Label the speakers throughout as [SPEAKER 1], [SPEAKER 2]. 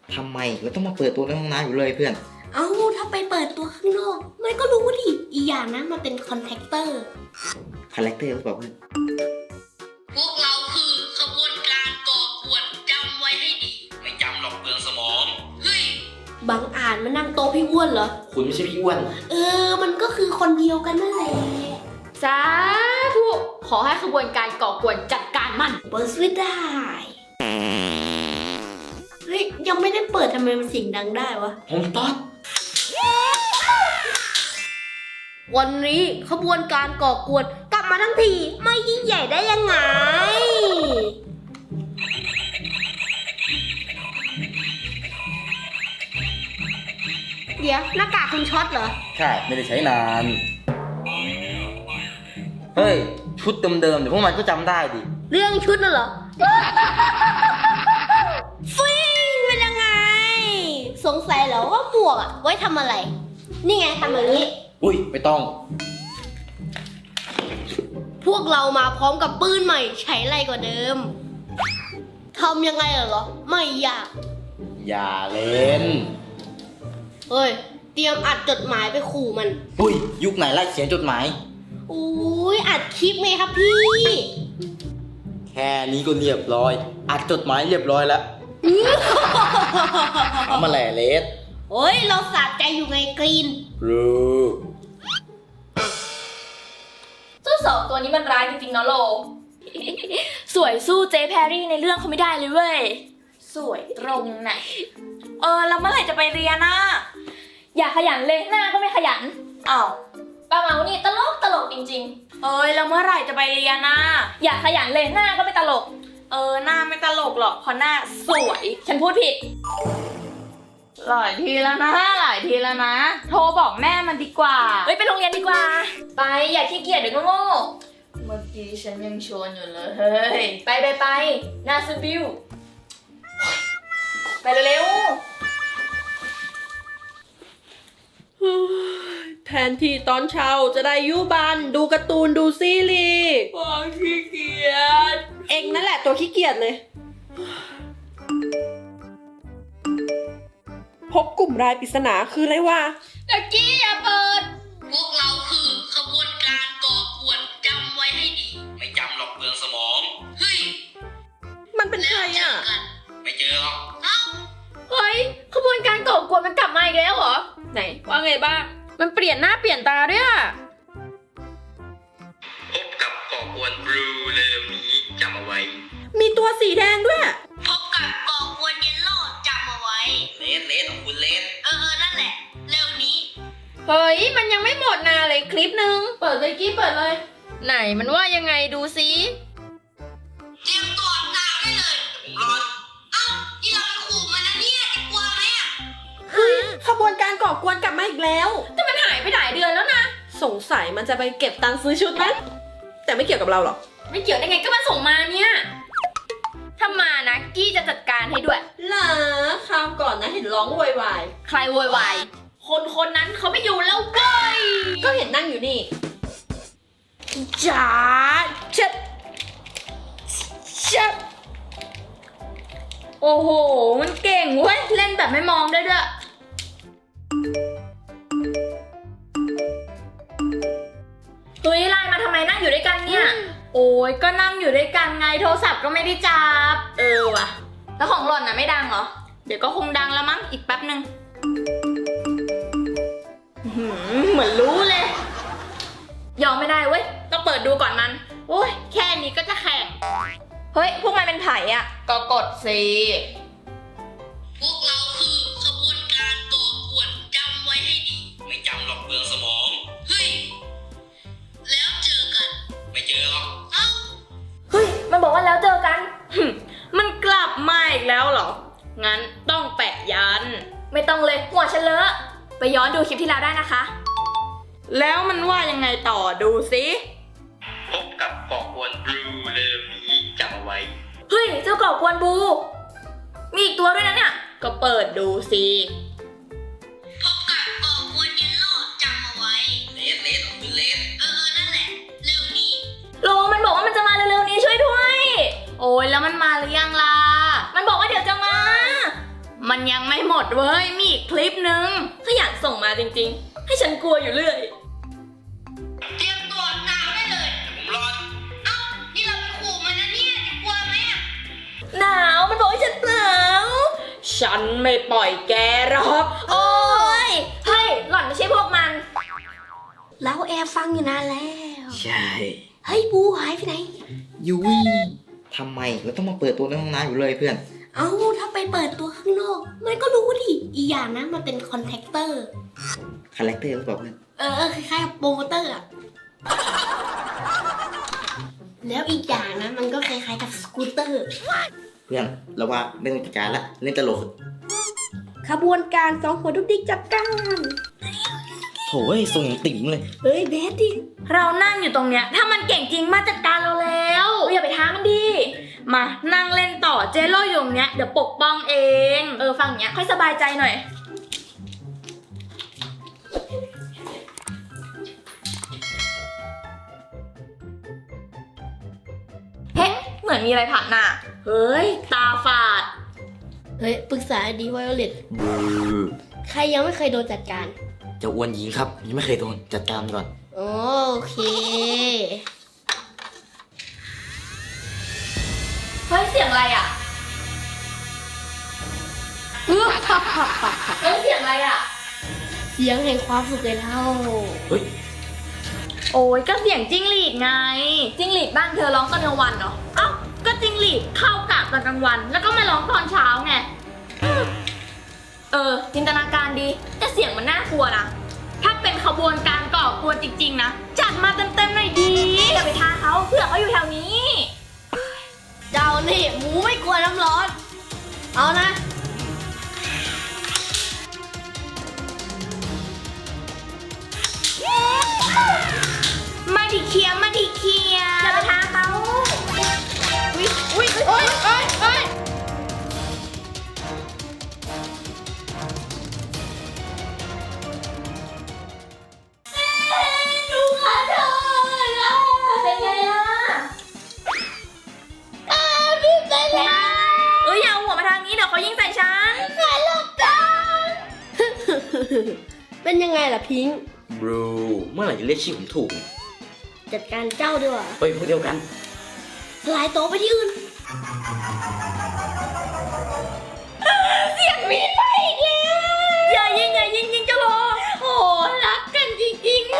[SPEAKER 1] ทำไมเราต้องมาเปิดตัวในห้องน้ำอยู่เลยเพื่อน
[SPEAKER 2] เอ้าถ้าไปเปิดตัวข้างนอกมันก็รู้ดิอีกอย่างนะมันเป็นคอนแทคเตอร์
[SPEAKER 1] คาแรคเตอร์หรือเปล่าเพื่อน
[SPEAKER 3] พวกเราคือขบวนการก่อกวนจำไว้ให้ดี
[SPEAKER 4] ไม่จำหรอกเปลืองสมอง
[SPEAKER 3] เฮ้ย
[SPEAKER 2] บางอ่านมานั่งโต๊ะพี่อ้วนเหรอ
[SPEAKER 1] คุณไม่ใช่พี่อ้วน
[SPEAKER 2] มันก็คือคนเดียวกันนั่นแหละ
[SPEAKER 5] สาธุขอให้ขบวนการก่อกวนจัดการมัน
[SPEAKER 2] เปิดสวิตช์ได้ เฮ้ยยังไม่ได้เปิดทำไมมันเสียงดังได้วะ
[SPEAKER 1] ผมต๊อด
[SPEAKER 2] วันนี้ขบวนการก่อกวนกลับมาทั้งทีไม่ยิ่งใหญ่ได้ยังไง เดี๋ยวหน้ากากคุณช็อตเหรอ
[SPEAKER 1] ใช่ไม่ได้ใช้นาน เฮ้ย ชุดเดิมๆเดี๋ยวพวกมันก็จำได้ดิ
[SPEAKER 2] เรื่องชุดน่ะเหรอ ฟิงเป็นยังไง สงสัยเหรอว่าหมวกอะไว้ทำอะไร นี่ไงทำอย่างนี้
[SPEAKER 1] อุ้ยไม่ต้อง
[SPEAKER 2] พวกเรามาพร้อมกับปืนใหม่ใช้ไรกว่าเดิมทำยังไงเหรอ ไม่อยาก
[SPEAKER 1] อย่าเล่น
[SPEAKER 2] เฮ้ย เตรียมอัดจดหมายไปขู่มัน
[SPEAKER 1] อุ้ยยุคไหนไล่เขียนจดหมาย
[SPEAKER 2] อุ้ยอัดคลิปไงครับพี่
[SPEAKER 1] แค่นี้ก็เรียบร้อย อัดจดหมายเรียบร้อยแล้วเอามาแหล่เลส
[SPEAKER 2] โอ้ยเราสะใจอยู่ไงกรีน
[SPEAKER 1] รู้
[SPEAKER 5] เจ้าสองตัวนี้มันร้ายจริงๆเนาะโล สวยสู้เจ๊แพรรี่ในเรื่องเขาไม่ได้เลยเว้ย สวยตรงไหน แล้วเมื่อไหร่จะไปเรียนน่ะ อย่าขยันเลยหน้าก็ไม่ขยัน อ้าวป้าเมานี่ตลกจริงๆ แล้วเมื่อไหร่จะไปเรียนน่ะ อย่าขยันเลยหน้าก็ไม่ตลก หน้าไม่ตลกหรอกเพราะหน้าสวย ฉันพูดผิด หลายทีแล้วนะ โทรบอกแม่มันดีกว่า ไปโรงเรียนดีกว่า ไปอย่าขี้เกียจเดี๋ยวก็โง่ เมื่อกี้ฉันยังชวนอยู่เลยเฮ้ยไปหน้าสบิวไปเร็ว
[SPEAKER 6] แทนที่ตอนเช้าจะได้อยู่บ้านดูการ์ตูนดูซีรีส์
[SPEAKER 5] ๆความขี้เกียจ
[SPEAKER 6] เองนั่นแหละตัวขี้เกียจเลย พบกลุ่มรายปริศนาคืออะไรวะ
[SPEAKER 5] ตะกี้อย่าเปิด
[SPEAKER 3] พวกเราคือขบวนการก่อกวนจำไว้ให้ดี
[SPEAKER 4] ไม่จำหรอกเปลืองสมอง
[SPEAKER 3] เฮ้ย
[SPEAKER 6] มันเป็นใครอ่ะ
[SPEAKER 3] กัน
[SPEAKER 4] ไม่เจอหรอก
[SPEAKER 3] เอ้า
[SPEAKER 5] เฮ้ยขบวนการก่อกวนมันกลับมาอีกแล้วเหรอ ไหนว่าไงบ้าง มันเปลี่ยนหน้าเปลี่ยนตาด้วยอะ
[SPEAKER 4] พบกับก่อกวนบลูเร็วนี้จำเอาไว้
[SPEAKER 6] มีตัวสีแดงด้วย
[SPEAKER 3] พบกับก่อกวนเยลโล่จำเอาไว้
[SPEAKER 4] เลสของคุณเลส
[SPEAKER 3] นั่นแหละ เร็วนี้
[SPEAKER 5] เฮ้ยมันยังไม่หมดนาเลยคลิปนึง เปิดเลยกี้เปิดเลย ไหนมันว่ายังไงดูซิ
[SPEAKER 3] เตรียมตัวอาบน้ำได้เลย
[SPEAKER 4] ผมรอ
[SPEAKER 3] เอ้านี่เราไปขู่มันนะเนี่ยจะกลัวไหมอะ
[SPEAKER 6] ขบวนการก่อกวนกลับมาอีกแล้ว
[SPEAKER 5] แต่มันหายไปหลายเดือนแล้วนะ
[SPEAKER 6] สงสัยมันจะไปเก็บตังค์ซื้อชุดมั้งแต่ไม่เกี่ยวกับเราหรอก
[SPEAKER 5] ไม่เกี่ยวได้ไงก็มันส่งมาเนี่ยถ้ามานะกี้จะจัดการให้ด้วย
[SPEAKER 6] เหรอคราวก่อนนะเห็นร้องโวยวาย
[SPEAKER 5] ใครโวยวายคนนั้นเขาไม่อยู่แล้วเว้ย
[SPEAKER 6] ก็เห็นนั่งอยู่นี่
[SPEAKER 5] จ๋าเช็ดเช็ดโอ้โหมันเก่งเว้ยเล่นแบบไม่มองได้ด้วยเฮ้ยไลน์มาทำไมนั่งอยู่ด้วยกันเนี่ย โอ้ยก็นั่งอยู่ด้วยกันไงโทรศัพท์ก็ไม่ได้จับว่ะแล้วของหล่อนน่ะไม่ดังเหรอเดี๋ยวก็คงดังแล้วมั้งอีกแป๊บนึงเหมือนรู้เลยยอมไม่ได้เว้ยต้องเปิดดูก่อนมันโอ้ยแค่นี้ก็จะแข่งเฮ้ยพวกมันเป็นไผ่อะก็กดสิ
[SPEAKER 3] พวกเราคือขบวนการก่อกวนจำไว้ให้ดี
[SPEAKER 4] ไม่จำหรอกเปลืองสมอง
[SPEAKER 3] เฮ้ย แล้วเจอกัน
[SPEAKER 4] ไม่เจอหรอก
[SPEAKER 3] เอ้า
[SPEAKER 5] เฮ้ยมันบอกว่าแล้วเจอกันมันกลับมาอีกแล้วเหรองั้นต้องแปะยันไม่ต้องเลยหัวฉันเลอะไปย้อนดูคลิปที่แล้วได้นะคะ แล้วมันว่ายังไงต่อดูสิ
[SPEAKER 4] พบกับก่อกวนบลูเร็วนี้จำเอาไว้
[SPEAKER 5] เฮ้ยเจ้าก่อกวนบู มีอีกตัวด้วยนะเนี่ย ก็เปิดดูสิ
[SPEAKER 3] พบกับก่อกวนเยลโล่จำเอาไว้
[SPEAKER 4] เลสของคุณเลส
[SPEAKER 3] นั่นแหละ เร็วนี้
[SPEAKER 5] โลมันบอกว่ามันจะมาเร็วๆนี้ช่วยด้วย โอ้ยแล้วมันมาหรือยังล่ะ มันบอกว่าเดี๋ยวจะมา มันยังไม่หมดเว้ย มีอีกคลิปนึงขยันส่งมาจริงๆ ให้ฉันกลัวอยู่เรื่อย
[SPEAKER 3] เตรียมตัวหนาวได้เลย
[SPEAKER 4] ผมรอด
[SPEAKER 3] เอ้า นี่เราไปขู่มันนะเนี่ยจะกลัวไหมอะ
[SPEAKER 5] หนาวมันบอกให้ฉันหนาว
[SPEAKER 6] ฉันไม่ปล่อยแกหรอก
[SPEAKER 5] โอ้ยเฮ้ยหล่อนไม่ใช่พวกมัน
[SPEAKER 2] เราแอบฟังอยู่นานแล้ว
[SPEAKER 1] ใช่
[SPEAKER 2] เฮ้ยบูหายไปไหน
[SPEAKER 1] ยุ้ยทำไมเราต้องมาเปิดตัวในห้องน้ำอยู่เลยเพื่อน
[SPEAKER 2] เอ้าถ้าไปเปิดตัวข้างนอก มันก็รู้ดิ อีกอย่างนะมันเป็นคอนแทคเตอร์
[SPEAKER 1] คาแรคเตอร์หรือเปล่าเพื่อน
[SPEAKER 2] คล้ายๆกับโปรโมเตอร์อะแล้วอีกอย่างนะมันก็คล้ายๆกับสกูตเตอร์
[SPEAKER 1] เพื่อนเราว่าไม่ต้องจัดการละเล่นตลก
[SPEAKER 2] ขบวนการสองหัวดุกดิกจัดการ
[SPEAKER 1] โถ่ส่งอย่างติ๋งเลย
[SPEAKER 2] เฮ้ยเบสดิ
[SPEAKER 5] เรานั่งอยู่ตรงเนี้ย ถ้ามันเก่งจริงมาจัดการเราแล้วอย่าไปท้ามันดิ มานั่งเล่นต่อเจโร่อยู่ตรงเนี้ยเดี๋ยวปกป้องเอง ฟังเนี้ยค่อยสบายใจหน่อย เฮ้เหมือนมีอะไรผ่านหน้า เฮ้ย ตาฝาด
[SPEAKER 2] เฮ้ยปรึกษาดีไวโอเลตใครยังไม่เคยโดนจัดการ
[SPEAKER 1] เจ้าอ้วนหญิงครับยังไม่เคยโดนจัดการก่อน
[SPEAKER 2] โอเค
[SPEAKER 5] เฮ้ย เสียงอะไรอ่ะ เฮ้ย เสียงอะไรอ่ะ
[SPEAKER 2] เสียงแห่งความสุขเลยเล่า
[SPEAKER 1] เฮ้ย
[SPEAKER 5] โอ้ยก็เสียงจิ้งหรีดไง จิ้งหรีดบ้านเธอร้องตอนกลางวันเหรอ เอ้า ก็จิ้งหรีดเข้ากะตอนกลางวัน แล้วก็มาร้องตอนเช้าไง จินตนาการดี แต่เสียงมันน่ากลัวนะ ถ้าเป็นขบวนการก่อกวนจริงๆนะ จัดมาเต็มๆหน่อยดี อย่าไปท้าเขาเผื่อเขาอยู่แถวนี้
[SPEAKER 2] เจ้านี่หมูไม่กลัวน้ำร้อน เอานะ
[SPEAKER 5] มาดิเคียมาดิเคียอย่าไปท้าเขา
[SPEAKER 2] โอ๊ย
[SPEAKER 5] ดูขาเธอเป็นไงล่ะพี่เป็นไงอย่าเอาหัวมาทางนี้เดี๋ยวเขายิงใส่ฉันขายหลบกัน
[SPEAKER 2] เป็นยังไงล่ะพิงค์
[SPEAKER 1] บรูเมื่อไหร่จะเรียกชื่อผมถูก
[SPEAKER 2] จัดการเจ้าดีกว่า
[SPEAKER 1] เฮ้ยพวกเดียวกัน
[SPEAKER 2] สลายโต๊ะไปที่อื่น
[SPEAKER 5] เสียงมีดไปอีกแล้วอย่ายิงเจ้าโลโอ้รักกันจริงๆ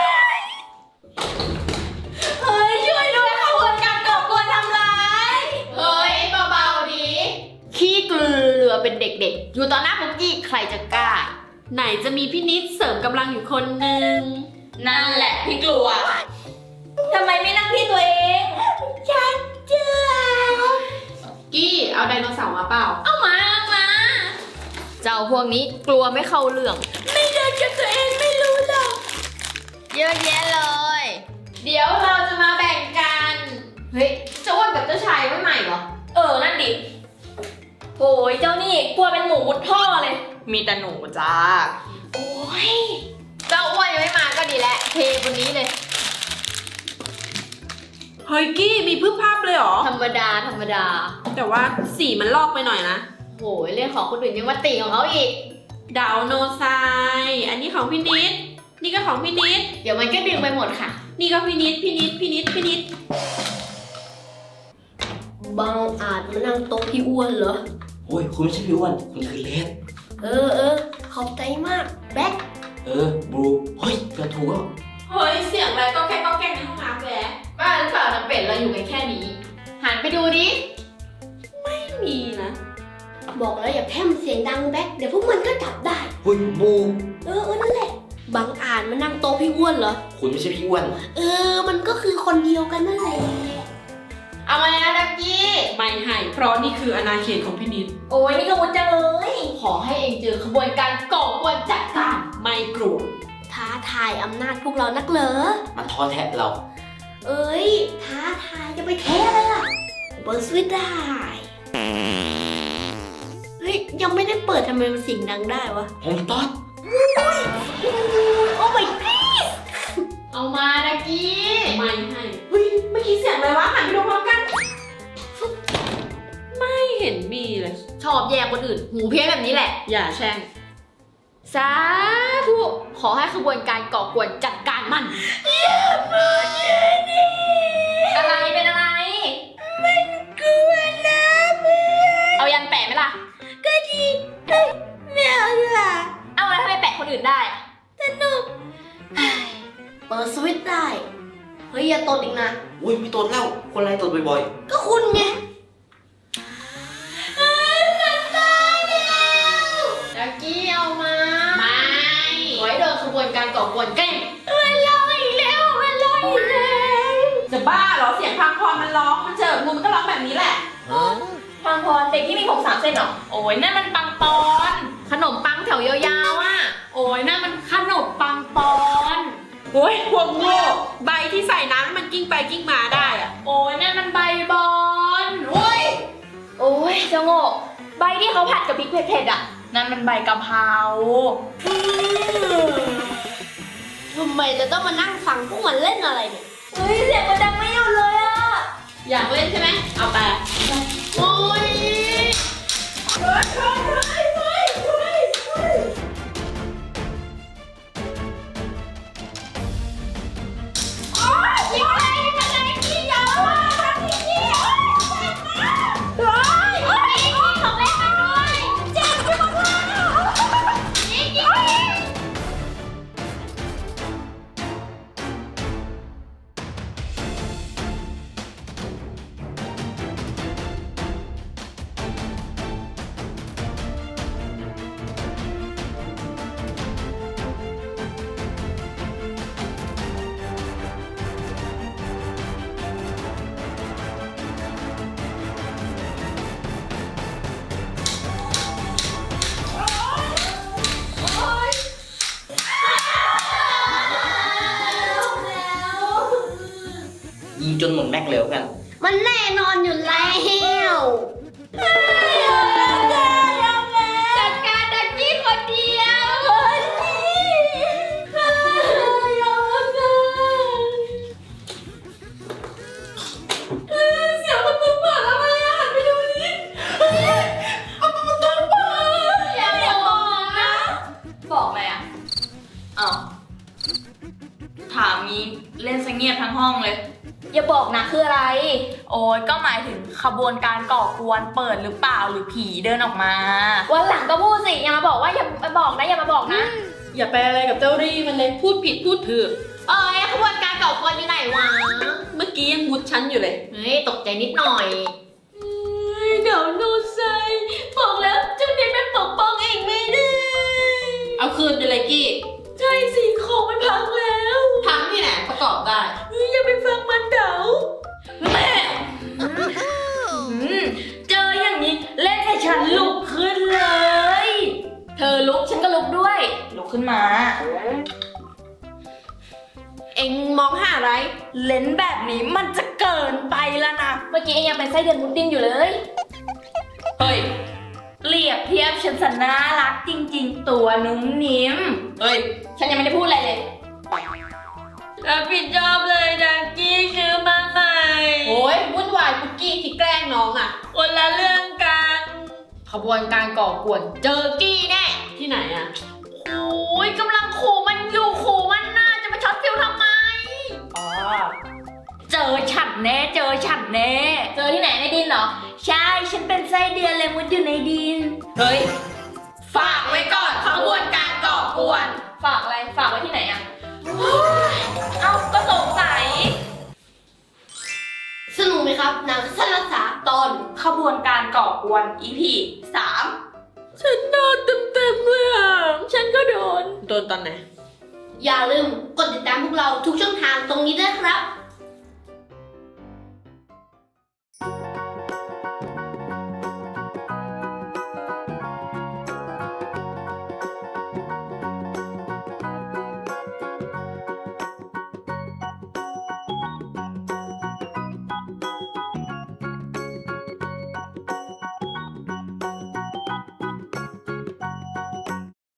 [SPEAKER 5] เฮ้ยช่วยด้วยขบวนการก่อกวนทำร้าย
[SPEAKER 6] เฮ้ยเบาๆดีขี้เกลือเป็นเด็กๆ อยู่ต่อหน้าปุ๊กกี้ใครจะกล้า ไหนจะมีพี่นิดเสริมกำลังอยู่คนหนึ่ง
[SPEAKER 5] นั่นแหละพี่กลัวทำไมไม่นั่งที่ตัวเอง ฉันเจือ
[SPEAKER 6] กี้เอาไดโนเสาร์มาเปล่า
[SPEAKER 5] เอามา
[SPEAKER 6] เจ้าพวกนี้กลัวไม่เข้าเรื่อง
[SPEAKER 5] ไม่เดินกับตัวเองไม่รู้หรอก
[SPEAKER 6] เยอะแยะเลย เดี๋ยวเราจะมาแบ่งกัน เฮ้ยเจ้าอ้วนกับเจ้าชายไม่ใหม่เหรอ
[SPEAKER 5] นั่นดิโอ้ยเจ้านี่กลัวเป็นหมูมุดท่อเลย
[SPEAKER 6] มีแต่หนูจ้า
[SPEAKER 5] โอ้ย
[SPEAKER 6] เจ้าอ้วนยังไม่มาก็ดีแหละเทคนนี้เลย
[SPEAKER 7] เฮ้ยกี้มีพึบภาพเลยเหรอ
[SPEAKER 6] ธรรมดา
[SPEAKER 7] แต่ว่าสีมันลอกไปหน่อยนะ
[SPEAKER 6] โหยเรื่องของคนอื่นยังมาติของเขาอีก
[SPEAKER 7] ดาวโนไซด์อันนี้ของพี่นิด นี่ก็ของพี่นิด
[SPEAKER 6] เดี๋ยวมันก็ดึงไปหมดค่ะ
[SPEAKER 7] นี่ก็พี่นิด พี่นิด พี่นิด พี่นิด
[SPEAKER 2] บางอาจมานั่งโต๊ะพี่อ้วนเหรอ
[SPEAKER 1] โอ้ยคุณไม่ใช่พี่อ้วนคุณคือเลส
[SPEAKER 2] ขอบใจมากแบ็ค
[SPEAKER 1] บรูเฮ้ยเกือบถูกแล้ว
[SPEAKER 7] เฮ้ยเสียงอะไรก็แก้ในห้องน้ำแหละ
[SPEAKER 6] บ้าหรือเปล่านะเป็ดเราอยู่กันแค่นี้ หันไปดูดิ
[SPEAKER 7] ไม่มีนะ
[SPEAKER 2] บอกแล้วอย่าแพร่มเสียงดังแบ็คเดี๋ยวพวกมันก็จับได้
[SPEAKER 1] เฮ้ยบรู
[SPEAKER 2] นั่นแหละ บางอาจมานั่งโต๊ะพี่อ้วนเหรอ
[SPEAKER 1] คุณไม่ใช่พี่อ้วน
[SPEAKER 2] มันก็คือคนเดียวกันนั่นแหละ
[SPEAKER 6] เอามาเลยนะดักกี้
[SPEAKER 7] ไม่ให้ เพราะนี่คืออาณาเขตของพี่นิด
[SPEAKER 5] โอ้ยนี่กระมุดจังเลย
[SPEAKER 6] ขอให้เองเจอขบวนการก่อกวนจัดการ
[SPEAKER 7] ไม่กลัว
[SPEAKER 2] ท้าทายอำนาจพวกเรานักเหรอ
[SPEAKER 1] มาท้อแทะเรา
[SPEAKER 2] ท้าทายจะไปแท้เลยล่ะเปิดสวิตช์ได้ ยังไม่ได้เปิดทำไมมันเสียงดังได้วะ
[SPEAKER 1] ผมต๊อด
[SPEAKER 2] โอ้ my god
[SPEAKER 6] เอามาดักกี้
[SPEAKER 7] ไม่ให้ เฮ้ย เมื่อกี้เสียงอะไรวะ หันไปดูพร้อมกัน ไม่เห็นมีเลย
[SPEAKER 6] ชอบแย่งคนอื่น หูเพี้ยนแบบนี้แหละ
[SPEAKER 7] อย่าแช่ง
[SPEAKER 6] สาธุขอให้ขบวนการก่อกวนจัดการมัน
[SPEAKER 5] อะไรเป็นอะไร มันกวนนะเอายันแปะไหมล่ะ ก็ดีไม่เอาล่ะเอาแล้วทำไมแปะคนอื่นได้อะ
[SPEAKER 2] เปิดสวิตช์ได้ เฮ้ยอย่าตดอีกนะ
[SPEAKER 1] อุ้ยไม่ตดแล้ว คนไรตดบ่อย
[SPEAKER 2] ก็คุณไง
[SPEAKER 6] ดักกี้เอามา ไม่ไว้โดนขบวนการก่อกวนแกล้ง
[SPEAKER 7] จะบ้าเหรอ เสียงพังพรมันร้อง มันเจองูมันก็ร้องแบบนี้แหละ
[SPEAKER 5] พังพรเด็กที่มีผม3 เส้นเหรอ โอ้ยนั่นมันปังปอน
[SPEAKER 6] ขนมปังแถวยาวๆอ่ะ โอ้ยนั่นมันขนมปังปอน
[SPEAKER 7] โอ้ยพวกโง่ใบที่ใส่น้ำแล้วมันกิ้งไปกิ้งมาได้อะ
[SPEAKER 5] โอ้ยนั่นมันใบบอนโอ้ยโอ้ยเจ้าโง่ใบที่เขาผัดกับพริกเผ็ดๆอ่ะ นั่นมันใบกะเพรา
[SPEAKER 2] ทำไมจะต้องมานั่งฟังพวกมันเล่นอะไรเนี่ย
[SPEAKER 5] เฮ้ยเสียงมันดังไม่หยุดเลยอ่ะ
[SPEAKER 6] อยากเล่นใช่ไหม เอาไป
[SPEAKER 2] โอ้ย
[SPEAKER 1] ๆ ยิงจนหมดแม็กเร็วกัน
[SPEAKER 2] มันแน่นอนอยู่แล้ว
[SPEAKER 5] จัดการดักกี้คนเดียวคนนี้ยอมนะเสียงประตูเปิดอะไรอ่ะหันไปดูดิประตูเปิดอย่าบอกนะ บอกอะไรอ่ะอ้าวถามงี้เล่นซะเงียบทั้งห้องเลย อย่าบอกนะคืออะไร โอ้ยก็หมายถึงขบวนการก่อกวนเปิดหรือเปล่าหรือผีเดินออกมา วันหลังก็พูดสิอย่ามาบอกว่าอย่ามาบอกนะอย่ามาบอกนะ
[SPEAKER 7] อย่าไปอะไรกับเจ้ารี่มันเลยพูดผิดพูดถูก
[SPEAKER 6] เอ้ยขบวนการก่อกวนอยู่ไหนวะ
[SPEAKER 7] เมื่อกี้ยังมุดชั้นอยู่เลย
[SPEAKER 6] เฮ้ย ตกใจนิดหน่อย
[SPEAKER 5] เดี๋ยวโนไซบอกแล้วเจ้าเนี่ยเป็นปกป้องเองไม่ได้
[SPEAKER 7] เอาคืนไปเลยกี้
[SPEAKER 5] ใช่สิของมันพังแล้ว
[SPEAKER 7] พังที่ไหนประกอบได้
[SPEAKER 5] อย่าไปฟังมันเดาแม่เจออย่างนี้เล่นให้ฉันลุกขึ้นเลย เธอลุกฉันก็ลุกด้วย ลุกขึ้นมา
[SPEAKER 6] เอ็งมองหาอะไร
[SPEAKER 5] เล่นแบบนี้มันจะเกินไปแล้วนะ เมื่อกี้เองยังเป็นไส้เดือนมุดดินอยู่เลย เฮ้ยเปรียบเทียบฉันสน่ารักจริงๆ ตัวนุ่มนิ่ม เฮ้ย ฉันยังไม่ได้พูดอะไรเลยรับผิดชอบเลยดักกี้ซื้อมาใหม่
[SPEAKER 6] โอ้ยวุ่นวายคุกกี้ที่แกล้งน้องอ่ะ
[SPEAKER 5] คนละเรื่องกัน
[SPEAKER 6] ขบวนการก่อกวน เจอกี้แน่
[SPEAKER 7] ที่ไหนอะ
[SPEAKER 5] โอ้ยกำลังขู่มันอยู่ขู่มันน่าจะมาช็อตฟิลทำไม อ๋อ เจอฉันแน่เจอฉันแน่ เจอที่ไหนในดินเหรอ ใช่ ฉันเป็นไส้เดือนเลยมุดอยู่ในดิน เฮ้ย
[SPEAKER 7] ฝากไว้ก่อนขบวนการก่อกวน
[SPEAKER 5] ฝากอะไร ฝากไว้ที่ไหนอะเอ้าก็สงสัย
[SPEAKER 2] สนุกไหมครับหนังสั้นรักษาตอน
[SPEAKER 5] ขบวนการก่อกวน EP 3
[SPEAKER 7] ฉันโดนเต็มๆเลยอ่ะ ฉันก็โดน โดนตอนไหน
[SPEAKER 2] อย่าลืมกดติดตามพวกเราทุกช่องทางตรงนี้ด้วยครับ